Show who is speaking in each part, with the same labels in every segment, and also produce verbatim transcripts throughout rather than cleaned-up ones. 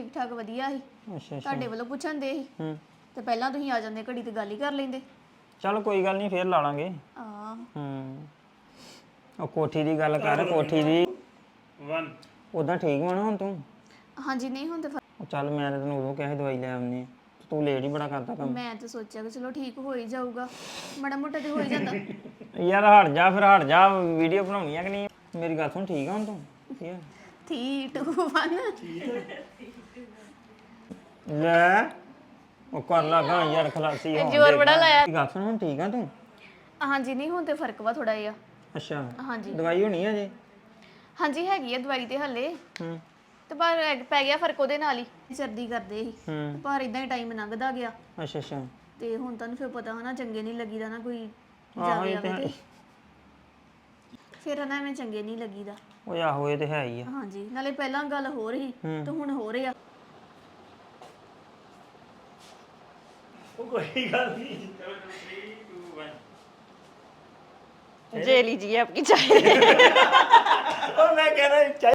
Speaker 1: ਠੀਕ ਠਾਕ ਵਧੀਆ ਸੀ।
Speaker 2: ਅੱਛਾ ਅੱਛਾ
Speaker 1: ਤੁਹਾਡੇ ਵੱਲੋਂ ਪੁੱਛਣ ਦੇ ਸੀ
Speaker 2: ਹੂੰ
Speaker 1: ਤੇ ਪਹਿਲਾਂ ਤੁਸੀਂ ਆ ਜਾਂਦੇ ਘੜੀ ਤੇ ਗੱਲ ਹੀ ਕਰ ਲੈਂਦੇ।
Speaker 2: ਚੱਲ ਕੋਈ ਗੱਲ ਨਹੀਂ ਫੇਰ ਲਾ ਲਾਂਗੇ।
Speaker 1: ਆ
Speaker 2: ਹੂੰ ਉਹ ਕੋਠੀ ਦੀ ਗੱਲ ਕਰ ਕੋਠੀ ਦੀ
Speaker 3: ਇੱਕ
Speaker 2: ਉਦਾਂ ਠੀਕ ਵਾ ਨਾ ਹੁਣ ਤੂੰ?
Speaker 1: ਹਾਂਜੀ ਨਹੀਂ ਹੁਣ ਤੇ ਫ-
Speaker 2: ਉਹ ਚੱਲ ਮੈਂ ਤਾਂ ਤੈਨੂੰ ਉਦੋਂ ਕਿਹਾ ਸੀ ਦਵਾਈ ਲੈ ਆਉਣੀ ਤੂੰ ਲੇਟ ਹੀ ਬੜਾ ਕਰਦਾ ਕੰਮ।
Speaker 1: ਮੈਂ ਤਾਂ ਸੋਚਿਆ ਕਿ ਚਲੋ ਠੀਕ ਹੋ ਹੀ ਜਾਊਗਾ, ਮਾੜਾ ਮੋਟਾ ਤੇ ਹੋ ਹੀ ਜਾਂਦਾ।
Speaker 2: ਯਾਰ ਹਟ ਜਾ ਫਿਰ ਹਟ ਜਾ ਵੀਡੀਓ ਬਣਾਉਣੀ ਆ ਕਿ ਨਹੀਂ? ਮੇਰੀ ਗੱਲ ਸੁਣ ਠੀਕ ਆ ਹੁਣ ਤੂੰ? ਠੀਕ ਆ
Speaker 1: ਥ੍ਰੀ ਟੂ ਵਨ
Speaker 2: ਲੈ ਉਹ ਕਰ ਲਗਾ ਯਾਰ ਖਲਾਸੀ ਹੋ
Speaker 1: ਜ਼ੋਰ ਬੜਾ ਲਾਇਆ।
Speaker 2: ਗੱਲ ਸੁਣ ਹੁਣ ਠੀਕ ਆ ਤੂੰ?
Speaker 1: ਹਾਂਜੀ ਨਹੀਂ ਹੁਣ ਤੇ ਫਰਕ ਵਾ ਥੋੜਾ ਜਿਹਾ।
Speaker 2: ਅੱਛਾ
Speaker 1: ਹਾਂਜੀ
Speaker 2: ਦਵਾਈ ਹੋਣੀ ਆ ਜੇ?
Speaker 1: ਹਾਂਜੀ ਹੈਗੀ ਆ ਦਵਾਈ ਤੇ ਹੱਲੇ,
Speaker 2: ਹੂੰ
Speaker 1: ਤੇ ਪਰ ਐ- ਪੈ ਗਿਆ ਫਰਕ ਉਹਦੇ ਨਾਲ ਹੀ। ਸਰਦੀ ਕਰਦੇ ਸੀ
Speaker 2: ਹੂੰ
Speaker 1: ਪਰ ਇਦਾਂ ਹੀ ਟਾਈਮ ਲੰਘਦਾ ਗਿਆ
Speaker 2: ਅੱਛਾ ਅੱਛਾ
Speaker 1: ਤੇ ਹੁਣ ਤੁਹਾਨੂੰ ਫਿਰ ਪਤਾ ਹਨਾ ਚੰਗੇ ਨਹੀਂ ਲੱਗੀਦਾ ਨਾ ਕੋਈ
Speaker 2: ਆਹੋ
Speaker 1: ਜਾਵੇ
Speaker 2: ਇਹ ਤੇ
Speaker 1: ਆਵੇ
Speaker 2: ਹੈ।
Speaker 1: ਤੇ ਫਿਰ ਨਾ ਐਵੇਂ ਚੰਗੇ ਨਹੀਂ ਲੱਗੀਦਾ।
Speaker 2: ਉਹ ਆਹੋ ਇਹ ਤੇ ਹੈ ਹੀ ਆ।
Speaker 1: ਹਾਂਜੀ ਨਾਲੇ ਪਹਿਲਾਂ ਗੱਲ ਹੋ ਰਹੀ
Speaker 2: ਹੂੰ।
Speaker 1: ਤੇ ਹੁਣ ਹੋ ਰਿਹਾ।
Speaker 3: ਉਹ ਕੋਈ ਗੱਲ ਨਹੀਂ
Speaker 4: जे लीजिए आपकी चाय।
Speaker 3: ਉਹ ਮੈਂ ਕਹਿੰਦਾ ਚਾਹ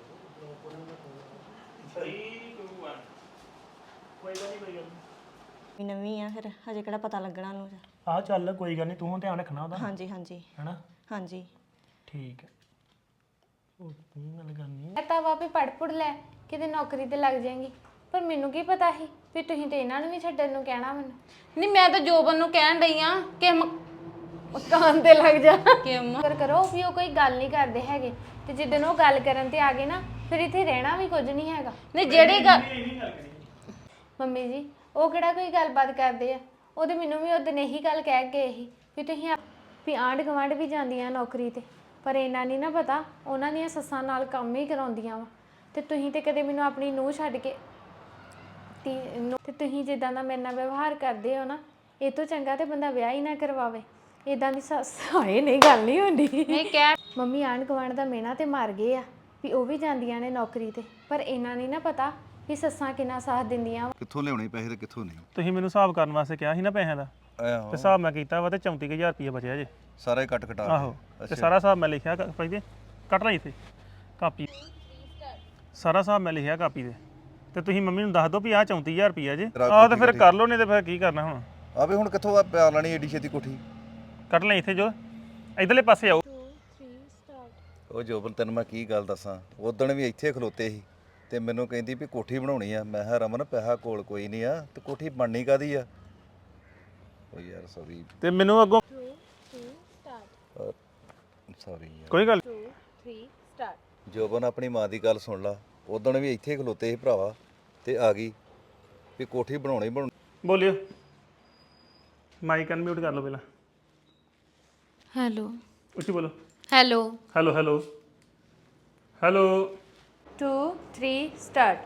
Speaker 4: ਨਵੀਂ ਆ ਫਿਰ ਹਜੇ ਕਿਹੜਾ ਪਤਾ ਲੱਗਣਾ ਉਹਨੂੰ।
Speaker 3: ਆਹ ਚੱਲ ਕੋਈ ਗੱਲ ਨਹੀਂ ਤੂੰ ਹੁਣ ਧਿਆਨ ਰੱਖਣਾ ਉਹਦਾ
Speaker 4: ਹਾਂਜੀ ਹਾਂਜੀ
Speaker 3: ਹੈਨਾ
Speaker 4: ਹਾਂਜੀ
Speaker 3: ਠੀਕ ਹੈ ਉਹ ਤੂੰ ਗੱਲ ਕਰਨੀ
Speaker 5: ਤਾਂ ਵਾ ਵੀ ਪੜ ਪੜ ਲੈ ਕਿਤੇ ਨੌਕਰੀ ਤੇ ਲੱਗ ਜਾਏਗੀ, ਪਰ ਮੈਨੂੰ ਕੀ ਪਤਾ ਸੀ ਵੀ ਤੁਸੀਂ ਤੇ ਇਹਨਾਂ ਨੂੰ ਵੀ ਛੱਡਣ ਨੂੰ ਕਹਿਣਾ ਮੈਨੂੰ।
Speaker 6: ਨਹੀਂ ਮੈਂ ਤਾਂ ਜੋਬਨ ਨੂੰ ਕਹਿਣ ਡਈ ਆ ਕਿ ਮ-
Speaker 5: ਕਾਨ ਤੇ ਲੱਗ ਜਾ
Speaker 6: ਕਿ ਅੰਮਾ
Speaker 5: ਕਰ ਕਰੋ ਵੀ ਉਹ ਕੋਈ ਗੱਲ ਨਹੀਂ ਕਰਦੇ ਹੈਗੇ, ਤੇ ਜਿੱਦਣ ਉਹ ਗੱਲ ਕਰਨ ਤੇ ਆ ਗਏ ਨਾ ਫਿਰ ਇੱਥੇ ਰਹਿਣਾ ਵੀ ਕੁਝ ਨਹੀਂ ਹੈਗਾ।
Speaker 6: ਨਹੀਂ ਜਿਹੜੀ ਗੱਲ
Speaker 5: ਮੰਮੀ ਜੀ ਉਹ ਕਿਹੜਾ ਕੋਈ ਗੱਲਬਾਤ ਕਰਦੇ ਆ, ਉਹਦੇ ਮੈਨੂੰ ਵੀ ਉਹਦਨ ਇਹੀ ਗੱਲ ਕਹਿ ਗਏ ਸੀ ਵੀ ਤੁਸੀਂ ਆਪ- ਵੀ ਆਂਢ ਗੁਆਂਢ ਵੀ ਜਾਂਦੀਆਂ ਨੌਕਰੀ ਤੇ, ਪਰ ਇਹਨਾਂ ਨਹੀਂ ਨਾ ਪਤਾ ਉਹਨਾਂ ਦੀਆਂ ਸੱਸਾਂ ਨਾਲ ਕੰਮ ਹੀ ਕਰਾਉਂਦੀਆਂ ਵਾ। ਤੇ ਤੁਸੀਂ ਤੇ ਕਦੇ ਮੈਨੂੰ ਆਪਣੀ ਨੂੰਹ ਛੱਡ ਕੇ ਤੀ ਨੂੰਹ- ਤੇ ਤੁਸੀਂ ਜਿੱਦਾਂ ਦਾ ਮੇਰੇ ਨਾਲ ਵਿਵਹਾਰ ਕਰਦੇ ਹੋ ਨਾ, ਇਹ ਤੋਂ ਚੰਗਾ ਤੇ ਬੰਦਾ ਵਿਆਹ ਹੀ ਨਾ ਕਰਵਾਵੇ। ਇਦਾਂ ਦੀ ਸੱਸ ਹਾਏ ਨਹੀਂ ਗੱਲ ਨਹੀਂ ਹੁੰਦੀ।
Speaker 6: ਨਹੀਂ ਕਹਿ
Speaker 5: ਮੰਮੀ ਆਂਢ ਗੁਆਂਢ ਦਾ ਮੇਨਾ ਤੇ ਮਾਰ ਗਏ ਆ ਵੀ ਉਹ ਵੀ ਜਾਂਦੀਆਂ ਨੇ ਨੌਕਰੀ ਤੇ, ਪਰ ਇਹਨਾਂ ਨਹੀਂ ਨਾ ਪਤਾ ਵੀ ਸੱਸਾਂ ਕਿੰਨਾ ਸਾਥ ਦਿੰਦੀਆਂ ਵਾ।
Speaker 7: ਕਿੱਥੋਂ ਲਿਆਉਣੇ ਪੈਸੇ ਤੇ ਕਿੱਥੋਂ ਨਹੀਂ?
Speaker 3: ਤੁਸੀਂ ਮੈਨੂੰ ਹਿਸਾਬ ਕਰਨ ਵਾਸਤੇ ਕਿਹਾ ਸੀ ਨਾ ਪੈਸਿਆਂ ਦਾ, ਤੇ
Speaker 7: ਆਹੋ
Speaker 3: ਹਿਸਾਬ ਮੈਂ ਕੀਤਾ ਵਾ ਤੇ ਚੌਂਤੀ ਕੁ ਹਜ਼ਾਰ ਰੁਪਏ ਬਚਿਆ ਜੇ।
Speaker 7: ਸਾਰਾ ਹੀ ਕੱਟ ਕਟਾ ਕੇ।
Speaker 3: ਆਹੋ ਤੇ ਸਾਰਾ ਹਿਸਾਬ ਮੈਂ ਲਿਖਿਆ ਭਾਈ ਦੇ ਕੱਟ ਲਈ ਇੱਥੇ ਕਾਪੀ, ਸਾਰਾ ਹਿਸਾਬ ਮੈਂ ਲਿਖਿਆ ਕਾਪੀ ਤੇ। ਤੇ ਤੁਸੀਂ ਮੰਮੀ ਨੂੰ ਦੱਸ ਦਿਓ ਵੀ ਆਹ ਚੌਂਤੀ ਹਜ਼ਾਰ ਰੁਪਏ ਜੇ। ਆਹ ਤੇ ਫਿਰ ਕਰ ਲਓ, ਨਹੀਂ ਤੇ ਫਿਰ ਕੀ ਕਰਨਾ ਹੁਣ।
Speaker 7: ਆ ਵੀ ਹੁਣ ਕਿੱਥੋਂ ਆ ਪਿਆ ਲੈਣੀ ਏਡੀ ਛੇਤੀ ਕੋਠੀ?
Speaker 3: ਕੱਟ ਲਈ ਇੱਥੇ ਜੋ ਇਧਰਲੇ ਪਾਸੇ ਆਓ।
Speaker 7: ਉਹ ਜੋਬਨ ਤੈਨੂੰ ਮੈਂ ਕੀ ਗੱਲ ਦੱਸਾਂ, ਉਦਣ ਵੀ ਇੱਥੇ ਖਲੋਤੇ ਸੀ ਤੇ ਮੈਨੂੰ ਕਹਿੰਦੀ ਵੀ ਕੋਠੀ ਬਣਾਉਣੀ ਆ। ਮੈਂ ਕਿਹਾ ਰਮਨ ਪੈਸਾ ਕੋਲ ਕੋਈ ਨਹੀਂ ਆ ਤੇ ਕੋਠੀ ਬਣਨੀ ਕਾਦੀ ਆ? ਉਹ ਯਾਰ ਸੌਰੀ
Speaker 3: ਤੇ ਮੈਨੂੰ ਅੱਗੋਂ
Speaker 7: ਸੌਰੀ
Speaker 3: ਕੋਈ ਗੱਲ
Speaker 7: ਜੋਬਨ ਆਪਣੀ ਮਾਂ ਦੀ ਗੱਲ ਸੁਣ ਲਾ। ਉਦਣ ਵੀ ਇੱਥੇ ਖਲੋਤੇ ਸੀ ਭਰਾਵਾ ਤੇ ਆ ਗਈ ਵੀ ਕੋਠੀ ਬਣਾਉਣੀ ਬਣਾਉਣੀ।
Speaker 3: ਬੋਲਿਓ, ਮਾਈਕ ਅਨਮਿਊਟ ਕਰ ਲਓ ਪਹਿਲਾਂ,
Speaker 6: ਹੈਲੋ
Speaker 3: ਉੱਚੀ ਬੋਲੋ।
Speaker 6: Hello
Speaker 3: hello hello hello
Speaker 5: two three start.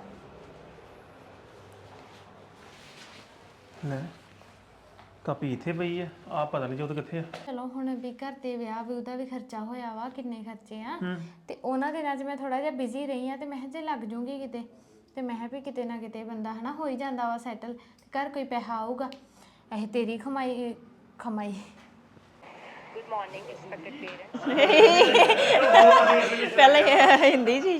Speaker 3: ਲੈ ਕਾਪੀ ਇੱਥੇ ਪਈ ਆ, ਆ ਪਤਾ ਨਹੀਂ ਜੋਤ ਕਿੱਥੇ ਆ।
Speaker 5: ਚਲੋ ਹੁਣ ਵੀ ਘਰ ਤੇ ਵਿਆਹ ਵੀ ਉਹਦਾ ਵੀ ਖਰਚਾ ਹੋਇਆ ਵਾ, ਕਿੰਨੇ ਖਰਚੇ ਆ। ਤੇ ਉਹਨਾਂ ਦਿਨਾਂ 'ਚ ਮੈਂ ਥੋੜਾ ਜਿਹਾ ਬਿਜ਼ੀ ਰਹੀ ਆ, ਤੇ ਮੈਂ ਕਿਹਾ ਜੇ ਲੱਗ ਜੂੰਗੀ ਕਿਤੇ, ਤੇ ਮੈਂ ਕਿਹਾ ਵੀ ਕਿਤੇ ਨਾ ਕਿਤੇ ਬੰਦਾ ਹਨਾ ਹੋ ਹੀ ਜਾਂਦਾ ਵਾ ਸੈਟਲ, ਤੇ ਘਰ ਕੋਈ ਪੈਸਾ ਆਊਗਾ। ਇਹ ਤੇਰੀ ਕਮਾਈ ਕਮਾਈ
Speaker 4: ਪਹਿਲਾਂ ਇਹ ਹਿੰਦੀ ਜੀ।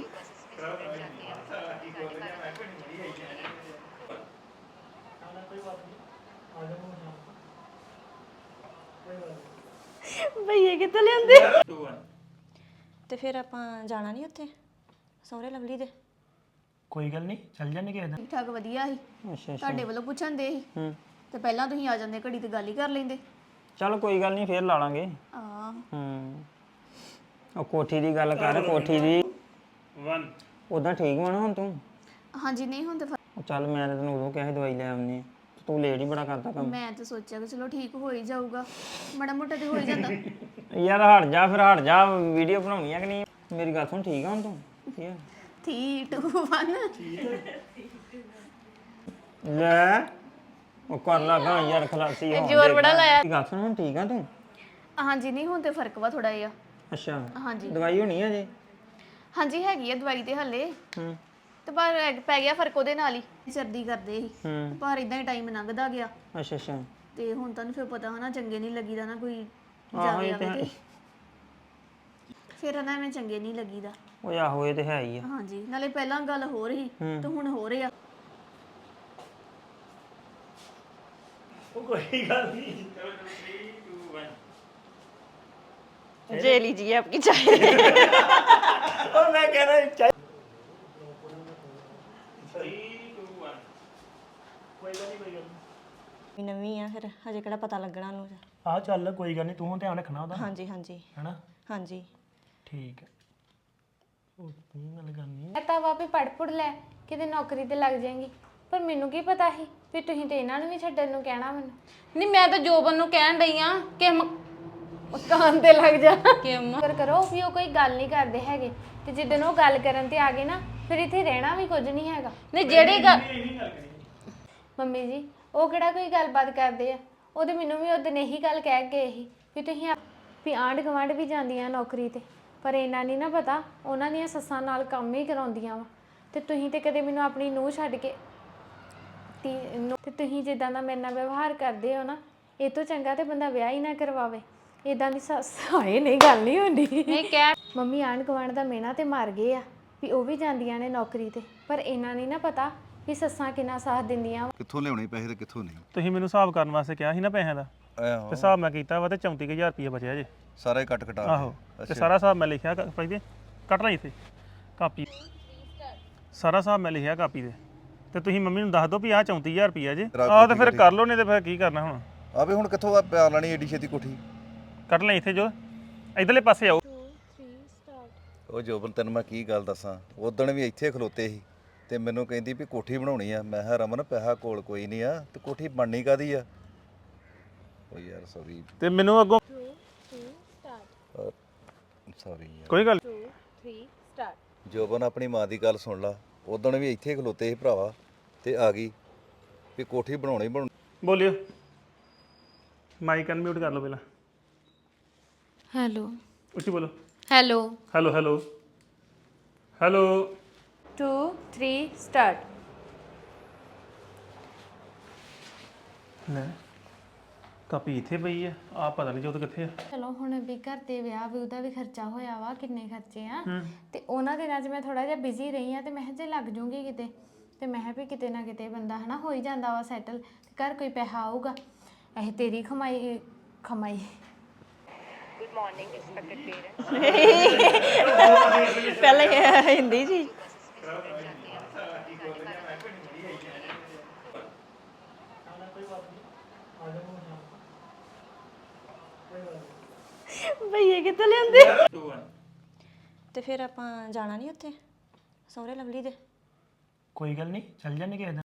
Speaker 5: ਭਈਏ ਕਿੱਥੇ ਲਿਆਂਦੇ?
Speaker 4: ਤੇ ਫਿਰ ਆਪਾਂ ਜਾਣਾ ਨਹੀਂ ਉੱਥੇ ਸਹੁਰੇ ਲਵਲੀ ਦੇ?
Speaker 3: ਕੋਈ ਗੱਲ ਨਹੀਂ ਚੱਲ ਜਾਂਦੇ ਕਿਸੇ ਦਿਨ।
Speaker 1: ਠੀਕ ਠਾਕ ਵਧੀਆ ਸੀ।
Speaker 2: ਅੱਛਾ ਅੱਛਾ
Speaker 1: ਤੁਹਾਡੇ ਵੱਲੋਂ ਪੁੱਛਣ ਦੇ ਸੀ
Speaker 2: ਹੂੰ
Speaker 1: ਤੇ ਪਹਿਲਾਂ ਤੁਸੀਂ ਆ ਜਾਂਦੇ ਘੜੀ ਤੇ ਗੱਲ ਹੀ ਕਰ ਲੈਂਦੇ।
Speaker 2: ਚੱਲ ਕੋਈ ਗੱਲ ਨਹੀਂ ਫੇਰ ਲਾ ਲਾਂਗੇ।
Speaker 1: ਆ
Speaker 2: ਹੂੰ ਉਹ ਕੋਠੀ ਦੀ ਗੱਲ ਕਰ ਕੋਠੀ ਦੀ
Speaker 3: ਇੱਕ
Speaker 2: ਉਦਾਂ ਠੀਕ ਵਾ ਨਾ ਹੁਣ ਤੂੰ?
Speaker 1: ਹਾਂਜੀ ਨਹੀਂ ਹੁਣ ਤੇ ਫ-
Speaker 2: ਉਹ ਚੱਲ ਮੈਂ ਤਾਂ ਤੈਨੂੰ ਉਦੋਂ ਕਿਹਾ ਸੀ ਦਵਾਈ ਲੈ ਆਉਣੀ ਤੂੰ ਲੇਟ ਹੀ ਬੜਾ ਕਰਦਾ ਕੰਮ।
Speaker 1: ਮੈਂ ਤਾਂ ਸੋਚਿਆ ਕਿ ਚਲੋ ਠੀਕ ਹੋ ਹੀ ਜਾਊਗਾ, ਮਾੜਾ ਮੋਟਾ ਤੇ ਹੋ ਹੀ ਜਾਂਦਾ।
Speaker 2: ਯਾਰ ਹਟ ਜਾ ਫਿਰ ਹਟ ਜਾ ਵੀਡੀਓ ਬਣਾਉਣੀ ਆ ਕਿ ਨਹੀਂ? ਮੇਰੀ ਗੱਲ ਸੁਣ ਠੀਕ ਆ ਹੁਣ ਤੂੰ? ਠੀਕ ਆ
Speaker 1: ਥ੍ਰੀ ਟੂ ਵਨ
Speaker 2: ਲੈ ਉਹ ਕਰ ਲਗਾ ਯਾਰ ਖਲਾਸੀ ਹੋ
Speaker 1: ਜ਼ੋਰ ਬੜਾ ਲਾਇਆ।
Speaker 2: ਗੱਲ ਸੁਣ ਹੁਣ ਠੀਕ ਆ ਤੂੰ?
Speaker 1: ਹਾਂਜੀ ਨਹੀਂ ਹੁਣ ਤੇ ਫਰਕ ਵਾ ਥੋੜਾ ਜਿਹਾ।
Speaker 2: ਅੱਛਾ
Speaker 1: ਹਾਂਜੀ
Speaker 2: ਦਵਾਈ ਹੋਣੀ ਆ ਜੇ?
Speaker 1: ਹਾਂਜੀ ਹੈਗੀ ਆ ਦਵਾਈ ਤੇ ਹੱਲੇ,
Speaker 2: ਹੂੰ
Speaker 1: ਤੇ ਪਰ ਐ- ਪੈ ਗਿਆ ਫਰਕ ਉਹਦੇ ਨਾਲ ਹੀ। ਸਰਦੀ ਕਰਦੇ ਸੀ
Speaker 2: ਹੂੰ
Speaker 1: ਪਰ ਇਦਾਂ ਹੀ ਟਾਈਮ ਲੰਘਦਾ ਗਿਆ
Speaker 2: ਅੱਛਾ ਅੱਛਾ
Speaker 1: ਤੇ ਹੁਣ ਤੁਹਾਨੂੰ ਫਿਰ ਪਤਾ ਹਨਾ ਚੰਗੇ ਨਹੀਂ ਲੱਗੀਦਾ ਨਾ ਕੋਈ
Speaker 2: ਆਹੋ
Speaker 1: ਜਾਵੇ
Speaker 2: ਇਹ ਤੇ
Speaker 1: ਆਵੇ
Speaker 2: ਹੈ।
Speaker 1: ਤੇ ਫਿਰ ਨਾ ਐਵੇਂ ਚੰਗੇ ਨਹੀਂ ਲੱਗੀਦਾ।
Speaker 2: ਓਏ ਆਹੋ ਇਹ ਤੇ ਹੈ ਹੀ ਆ
Speaker 1: ਹਾਂਜੀ ਨਾਲੇ ਪਹਿਲਾਂ ਗੱਲ ਹੋ ਰਹੀ ਤੇ ਹੁਣ ਹੋ ਰਿਹਾ
Speaker 4: ਜੇ ਲੀजिए आपकी चाय ਨਵੀਂ ਆ ਫਿਰ ਹਜੇ ਕਿਹੜਾ ਪਤਾ ਲੱਗਣਾ ਨੂੰ
Speaker 8: ਆ ਚੱਲ ਕੋਈ ਗੱਲ ਨਹੀਂ ਤੂੰ ਹੁਣ ਧਿਆਨ ਰੱਖਣਾ ਉਹਦਾ
Speaker 4: ਹਾਂਜੀ ਹਾਂਜੀ
Speaker 8: ਹੈਨਾ
Speaker 4: ਹਾਂਜੀ
Speaker 8: ਠੀਕ ਹੈ ਉਹ ਤੂੰ ਗੱਲ ਕਰਨੀ
Speaker 5: ਮੈਂ ਤਾਂ ਵਾਪੇ ਪੜ ਪੜ ਲੈ ਕਿਤੇ ਨੌਕਰੀ ਤੇ ਲੱਗ ਜਾਏਗੀ ਪਰ ਮੈਨੂੰ ਕੀ ਪਤਾ ਸੀ ਵੀ ਤੁਸੀਂ ਤੇ ਇਹਨਾਂ ਨੂੰ ਵੀ ਛੱਡਣ ਨੂੰ ਕਹਿਣਾ ਮੈਨੂੰ
Speaker 6: ਨਹੀਂ ਮੈਂ ਤਾਂ ਜੋਬਨ ਨੂੰ ਕਹਿਣ ਡਈ ਆ ਕਿ ਮ-
Speaker 5: ਕਾਨ ਤੇ ਲੱਗ ਜਾ
Speaker 6: ਕਿ ਮ-
Speaker 5: ਕਰ ਕਰੋ ਵੀ ਉਹ ਕੋਈ ਗੱਲ ਨਹੀਂ ਕਰਦੇ ਹੈਗੇ ਤੇ ਜਿੱਦਣ ਉਹ ਗੱਲ ਕਰਨ ਤੇ ਆ ਗਏ ਨਾ ਫਿਰ ਇੱਥੇ ਰਹਿਣਾ ਵੀ ਕੁਝ ਨਹੀਂ ਹੈਗਾ
Speaker 6: ਨਹੀਂ ਜਿਹੜੀ ਗੱਲ
Speaker 5: ਮੰਮੀ ਜੀ ਉਹ ਕਿਹੜਾ ਕੋਈ ਗੱਲਬਾਤ ਕਰਦੇ ਆ ਉਹ ਤੇ ਮੈਨੂੰ ਵੀ ਉਦੋਂ ਇਹੀ ਗੱਲ ਕਹਿ ਕੇ ਗਏ ਸੀ ਵੀ ਤੁਸੀਂ ਆਪ- ਵੀ ਆਂਢ ਗੁਆਂਢ ਵੀ ਜਾਂਦੀਆਂ ਨੌਕਰੀ ਤੇ ਪਰ ਇਹਨਾਂ ਨਹੀਂ ਨਾ ਪਤਾ ਉਹਨਾਂ ਦੀਆਂ ਸੱਸਾਂ ਨਾਲ ਕੰਮ ਹੀ ਕਰਾਉਂਦੀਆਂ ਵਾ ਤੇ ਤੁਸੀਂ ਤੇ ਕਦੇ ਮੈਨੂੰ ਆਪਣੀ ਨੂੰਹ ਛੱਡ ਕੇ ਤੀ- ਨੂੰਹ- ਤੇ ਤੁਸੀਂ ਜਿੱਦਾਂ ਦਾ ਮੇਰੇ ਨਾਲ ਵਿਵਹਾਰ ਕਰਦੇ ਹੋ ਨਾ ਇਹ ਤੋਂ ਚੰਗਾ ਤੇ ਬੰਦਾ ਵਿਆਹ ਹੀ ਨਾ ਕਰਵਾਵੇ ਇਦਾਂ ਦੀ ਸੱਸ ਹਾਏ ਨਹੀਂ ਗੱਲ ਨਹੀਂ ਹੁੰਦੀ
Speaker 6: ਨਹੀਂ ਕਹਿ
Speaker 5: ਮੰਮੀ ਆਂਢ ਗੁਆਂਢ ਦਾ ਮਿਹਣਾ ਤੇ ਮਰ ਗਏ ਆ ਵੀ ਉਹ ਵੀ ਜਾਂਦੀਆਂ ਨੇ ਨੌਕਰੀ ਤੇ ਪਰ ਇਹਨਾਂ ਨਹੀਂ ਨਾ ਪਤਾ ਵੀ ਸੱਸਾਂ ਕਿੰਨਾ ਸਾਥ ਦਿੰਦੀਆਂ ਵਾ।
Speaker 7: ਕਿੱਥੋਂ ਲਿਆਉਣੇ ਪੈਸੇ ਤੇ ਕਿੱਥੋਂ ਨਹੀਂ
Speaker 3: ਤੁਸੀਂ ਮੈਨੂੰ ਹਿਸਾਬ ਕਰਨ ਵਾਸਤੇ ਕਿਹਾ ਸੀ ਨਾ ਪੈਸਿਆਂ ਦਾ ਤੇ
Speaker 7: ਆਹੋ
Speaker 3: ਹਿਸਾਬ ਮੈਂ ਕੀਤਾ ਵਾ ਤੇ ਚੌਂਤੀ ਕੁ ਹਜ਼ਾਰ ਰੁਪਏ ਬਚਿਆ ਜੇ
Speaker 7: ਸਾਰੇ ਕੱਟ ਕਟਾ
Speaker 3: ਆਹੋ ਤੇ ਸਾਰਾ ਹਿਸਾਬ ਮੈਂ ਲਿਖਿਆ ਭਾਈ ਦੇ ਕੱਟ ਲਈ ਇੱਥੇ ਕਾਪੀ ਸਾਰਾ ਹਿਸਾਬ ਮੈਂ ਲਿਖਿਆ ਕਾਪੀ ਦੇ ਤੇ ਤੁਸੀਂ ਮੰਮੀ ਨੂੰ ਦੱਸ ਦਿਓ ਵੀ ਆਹ ਚੌਂਤੀ ਹਜ਼ਾਰ ਰੁਪਏ ਜੇ ਆਹ ਤੇ ਫਿਰ ਕਰ ਲਓ ਨਹੀਂ ਤੇ ਫਿਰ ਕੀ ਕਰਨਾ ਹੁਣ
Speaker 7: ਆ ਵੀ ਹੁਣ ਕਿੱਥੋਂ ਆ ਪਿਆ ਲੈਣੀ ਏਡੀ ਛੇਤੀ ਕੋਠੀ
Speaker 3: ਕੱਢ ਲਈ ਇੱਥੇ ਜੋ ਇਧਰਲੇ ਪਾਸੇ ਆਓ
Speaker 7: ਉਹ ਜੋਬਨ ਤੈਨੂੰ ਮੈਂ ਕੀ ਗੱਲ ਦੱਸਾਂ ਉਦਣ ਵੀ ਇੱਥੇ ਖਲੋਤੇ ਸੀ ਤੇ ਮੈਨੂੰ ਕਹਿੰਦੀ ਵੀ ਕੋਠੀ ਬਣਾਉਣੀ ਆ ਮੈਂ ਕਿਹਾ ਰਮਨ ਪੈਸਾ ਕੋਲ ਕੋਈ ਨਹੀਂ ਆ ਤੇ ਕੋਠੀ ਬਣਨੀ ਕਾਦੀ ਆ ਓ ਯਾਰ ਸੌਰੀ
Speaker 3: ਤੇ ਮੈਨੂੰ ਅੱਗੋਂ
Speaker 7: ਸੌਰੀ ਯਾਰ
Speaker 3: ਕੋਈ ਗੱਲ
Speaker 7: ਜੋਬਨ ਆਪਣੀ ਮਾਂ ਦੀ ਗੱਲ ਸੁਣ ਲਾ ਉਦਣ ਵੀ ਇੱਥੇ ਖਲੋਤੇ ਸੀ ਭਰਾਵਾ ਤੇ ਆ ਗਈ ਵੀ ਕੋਠੀ ਬਣਾਉਣੀ ਬਣਾਉਣੀ
Speaker 3: ਬੋਲਿਓ ਮਾਈਕ ਅਨਮਿਊਟ ਕਰ ਲਓ ਪਹਿਲਾਂ
Speaker 6: ਹੈਲੋ
Speaker 3: ਉੱਚੀ ਬੋਲੋ
Speaker 6: hello
Speaker 3: hello hello hello
Speaker 5: two three start
Speaker 3: ਲੈ ਕਾਪੀ ਇੱਥੇ ਪਈ ਆ ਆ ਪਤਾ ਨਹੀਂ ਜੋਤ ਕਿੱਥੇ ਆ
Speaker 5: ਚਲੋ ਹੁਣ ਵੀ ਘਰ ਤੇ ਵਿਆਹ ਵੀ ਉਹਦਾ ਵੀ ਖਰਚਾ ਹੋਇਆ ਵਾ ਕਿੰਨੇ ਖਰਚੇ ਆ ਤੇ ਉਹਨਾਂ ਦਿਨਾਂ 'ਚ ਮੈਂ ਥੋੜਾ ਜਿਹਾ ਬਿਜ਼ੀ ਰਹੀ ਆ ਤੇ ਮੈਂ ਕਿਹਾ ਜੇ ਲੱਗ ਜੂੰਗੀ ਕਿਤੇ ਤੇ ਮੈਂ ਕਿਹਾ ਵੀ ਕਿਤੇ ਨਾ ਕਿਤੇ ਬੰਦਾ ਹਨਾ ਹੋ ਹੀ ਜਾਂਦਾ ਵਾ ਸੈਟਲ ਤੇ ਘਰ ਕੋਈ ਪੈਸਾ ਆਊਗਾ ਇਹ ਤੇਰੀ ਕਮਾਈ ਕਮਾਈ
Speaker 4: ਪਹਿਲਾਂ ਹੀ ਹਿੰਦੀ ਜੀ ਭਈਏ ਕਿੱਥੋਂ ਲਿਆਂਦੇ ਤੇ ਫਿਰ ਆਪਾਂ ਜਾਣਾ ਨਹੀਂ ਉੱਥੇ ਸਹੁਰੇ ਲਵਲੀ ਦੇ
Speaker 8: ਕੋਈ ਗੱਲ ਨਹੀਂ ਚੱਲ ਜਾਂਦੇ ਕਿਸੇ ਦਿਨ